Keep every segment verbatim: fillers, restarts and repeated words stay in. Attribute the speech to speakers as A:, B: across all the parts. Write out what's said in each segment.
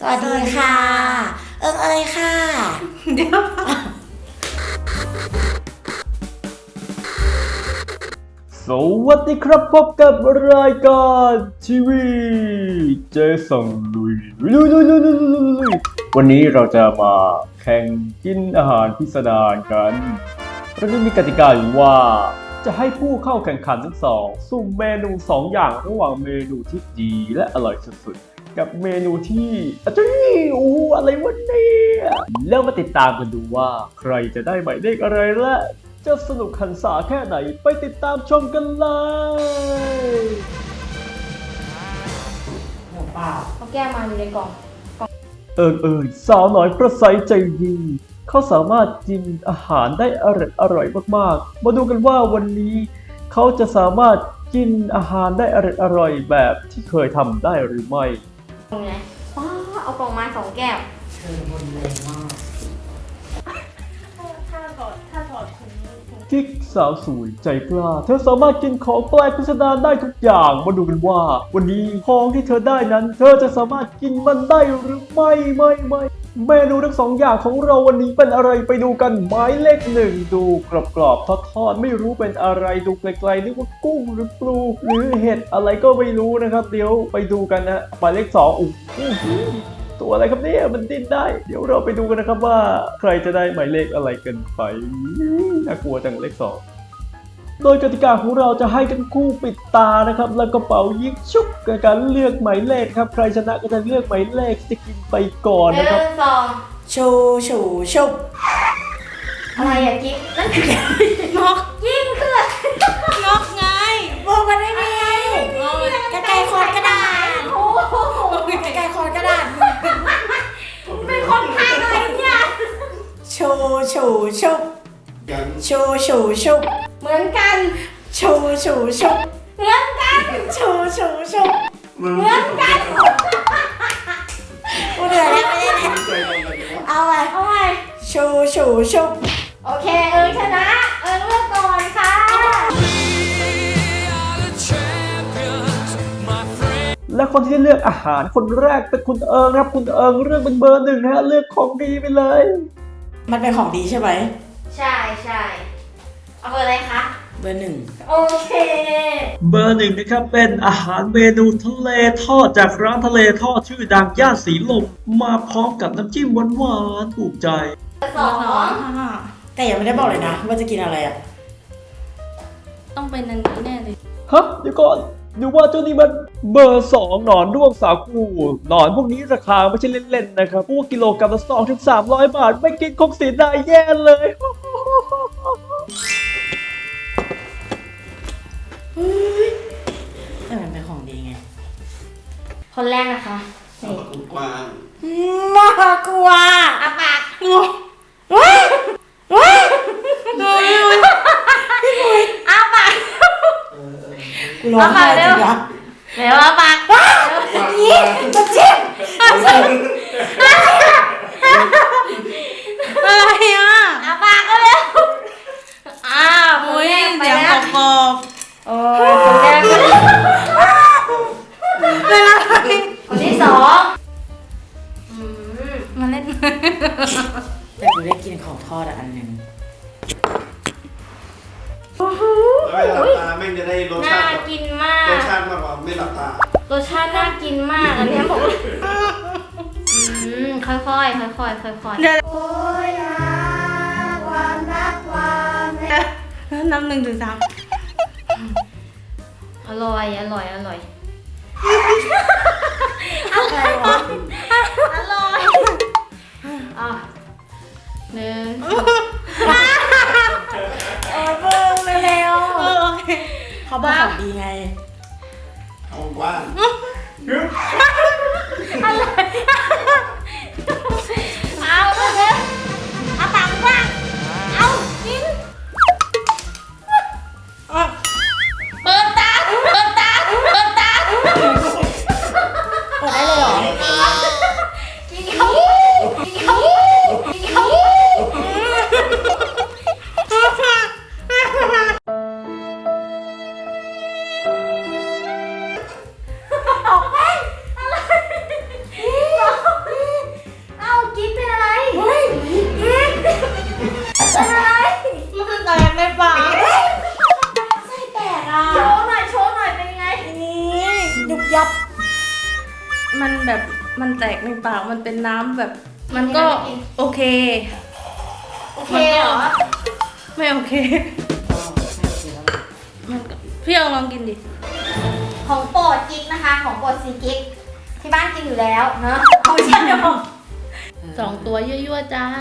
A: วัสดีค่ะ เอิงเอยค่ะเดี๋ยว
B: สวัสดีครับพบกับรายการทีวีเจสังลุยลุยลุยลุยลุยลุยลุยวันนี้เราจะมาแข่งกินอาหารพิสดารกันเราจะมีกติกาอยู่ว่าจะให้ผู้เข้าแข่งขันทั้งสองสุ่มเมนูสองอย่างระหว่างเมนูที่ดีและอร่อยสุดๆกับเมนูที่อาจารย์โอ้อะไรวะเนี่ยแล้วมาติดตามกันดูว่าใครจะได้หมายเลขอะไรและจะสนุกหันษาแค่ไหนไปติดตามชมกันเลย
A: หัวเปล่าเขาแก้มาอยู่ในกล่อง
B: เอิญเอิญสาวน้อยประไสใจดีเขาสามารถกินอาหารได้อร่อยอร่อยมากๆมาดูกันว่าวันนี้เขาจะสามารถกินอาหารได้อร่อยอร่อยแบบที่เคยทำได้หรือไม่
A: ตรงไหนว้าเอากล่องมาสองแก้ว
C: เธอบนแรงมาก
A: ถ้าถอดถ้าถอดถุง
B: กิ๊กสาวสวยใจกล้าเธอสามารถกินของแปลกพิสดารได้ทุกอย่างมาดูกันว่าวันนี้ของที่เธอได้นั้นเธอจะสามารถกินมันได้หรือไม่ไม่ไม่เมนูทั้งสองอย่างของเราวันนี้เป็นอะไรไปดูกันหมายเลขหนึ่งดูกรอบๆทอดๆไม่รู้เป็นอะไรดูไกลๆนึกว่ากุ้งหรือปลาหรือเห็ดอะไรก็ไม่รู้นะครับเดี๋ยวไปดูกันนะหมายเลขสองอุ้ยตัวอะไรครับเนี่ยมันดิ้นได้เดี๋ยวเราไปดูกันนะครับว่าใครจะได้หมายเลขอะไรกันไปน่ากลัวจังเลขสองโดยกติกาของเราจะให้ทั้งคู่ปิดตานะครับแล้วก็เป่ายิงชุบกับการเลือกหมายเลขครับใครชนะก็จะเลือกหมายเลขที่จะกินไปก่อนนะครับ
A: หนึ่งสองชูชูชุบอะไรอะกิ๊กนั่นคือนกยิ่งขึ้นนกไงบอกมันไม่มีกระไก่คอนกระดาษโอ้กระไก่คอนกระดาษเป็นคนไทยอะไรเนี่ยชูชูชุบชูชูชุบเหมือนกันชูชูชุบเหมือนกันชูชูชุบเหมือนกันกูเหนื่อยแล้วไม่ได้เลยเอาไปเอาไปชูชูชุบโอเคเอิงชนะเอิงเลือกก่อนค่ะ
B: และคนที่เลือกอาหารคนแรกเป็นคุณเอิงครับคุณเอิงเลือกเป็นเบอร์หนึ่งนะฮะเลือกของดีไปเลย
C: มันเป็นของดีใช่ไหม
A: ใช่ใช่เอาเบอร์อะไรคะ
C: เบอร์หนึ่ง
A: โอเค
B: เบอร์หนึ่งนะครับเป็นอาหารเมนูทะเลทอดจากร้านทะเลทอดชื่อดังย่านสีลมมาพร้อมกับน้ำจิ้มหวานๆถูกใจ
A: สอง
C: แต่ยังไม่ได้บอกเลยนะว่าจะกินอะไรอ่ะ
A: ต้องเป็นอันนี้แน่เลย
B: ฮะเดี๋ยวก่อนดูว่าเจ้านี่มันเบอร์สองหนอนด้วงสาคูหนอนพวกนี้ราคาไม่ใช่เล่นๆนะครับพวกกิโลกรัมละสองถึงสามร้อยบาทไม่กินคงเสียดายแย่เลย
C: แต่มันเป็นของดีไง
A: คนแรกนะคะนี่
C: กวางมากกว่า
A: อาปาก
C: ว้ายว้าย
A: ดูอาปาก
C: กูร้องไห้จริงนะ
A: เดี๋ยวอาปาก
C: นี่มาจิ้ม
A: อะไรอ่ะอาปากก็เร็วอ้าวคนแรกไปแล้ว
C: กรอบ
A: โอ้ยคนแรก
C: เป็นอะไร
A: คนที่สองมาเล่น
C: แต่กูได้กินของทอดอันหนึ่ง
D: แล้วเวลาหลับตาแม่งจะได้รสชาติ
A: น่ากินมาก
D: รสชาติมากกว่าไม่หลับตาร
A: สชาติน่ากินมากอันนี้ผมอืมค่อยๆค่อยๆค่อยๆโอ้ยนะความรักความ
C: น้ำหนึ่งถึงสาม
A: อร่อยอร่อยอร่อย
C: อะไรวะ
A: อร่อยอ่ะหนึ่ง
C: เออเบิ่งเร็วเขาบอกของดีไง
D: เอาว่าง
A: อะไรเอาเลยเอาปากว่างเอากินเปิดตาเปิดตาเปิดตา
C: เปิดได้เลยเหรอ
A: กินเขากินเขากินเขา
C: มันแตกในปากมันเป็นน้ำแบบ มันก็โอเค
A: โอเคเหรอ
C: ไม่โอเคมันก็พี่เอาลองกินดิ
A: ของโปรดกิ๊กนะคะ ของโปรดซีกิ๊กที่บ้านกินอยู่แล้วเนอะเอาไม่ใช่หรอ
C: สองตัวยั่วๆจ้า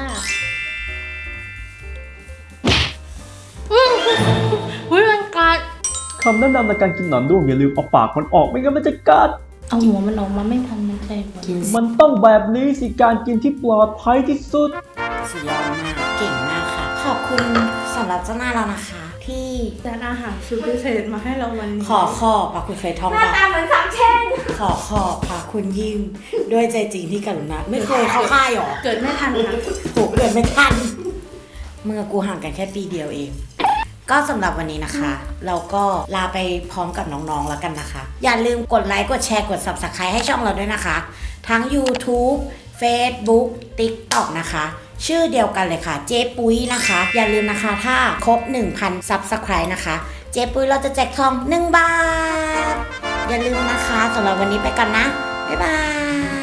C: อุ้ยอุ้ยมันกัด
B: คำแนะนำในการกินหนอนด้วงอย่าลืมเอาปากมันออกไม่งั้นมันจะกัด
C: เอาหัวมันออกมาไม่ทันมันใจหมด
B: มันต้องแบบนี้สิการกินที่ปลอดภัยที่สุด
A: สุดยอดมากเก่งมากค่ะ ขอบคุณสำหรับเจ้าหน้าเรานะคะ ที่
C: จานอาหารสุดพิเศษมาให้เราวันนี้
A: ขอขอบพระคุณเคยท่อง
E: หน้า
A: ปะ
E: ตาเหมือนสามเช่น
A: ขอขอบพระคุณยิ่งด้วยใจจริงที่กรุณาไม่เคยเข้าค่ายหรอ
C: เกิดไม่ทันค่ะ
A: โหเกิดไม่ทันเมื่อกูห่างกันแค่ปีเดียวเอง ก็สำหรับวันนี้นะคะ เราก็ลาไปพร้อมกับน้องๆแล้วกันนะคะ อย่าลืมกดไลค์ กดแชร์ กด Subscribe ให้ช่องเราด้วยนะคะ ทั้ง YouTube Facebook TikTok นะคะ ชื่อเดียวกันเลยค่ะ เจ๊ปุ้ยนะคะ อย่าลืมนะคะถ้าครบ หนึ่งพัน Subscribe นะคะ เจ๊ปุ้ยเราจะแจกทองหนึ่งบาท อย่าลืมนะคะสำหรับวันนี้ไปกันนะ บ๊ายบาย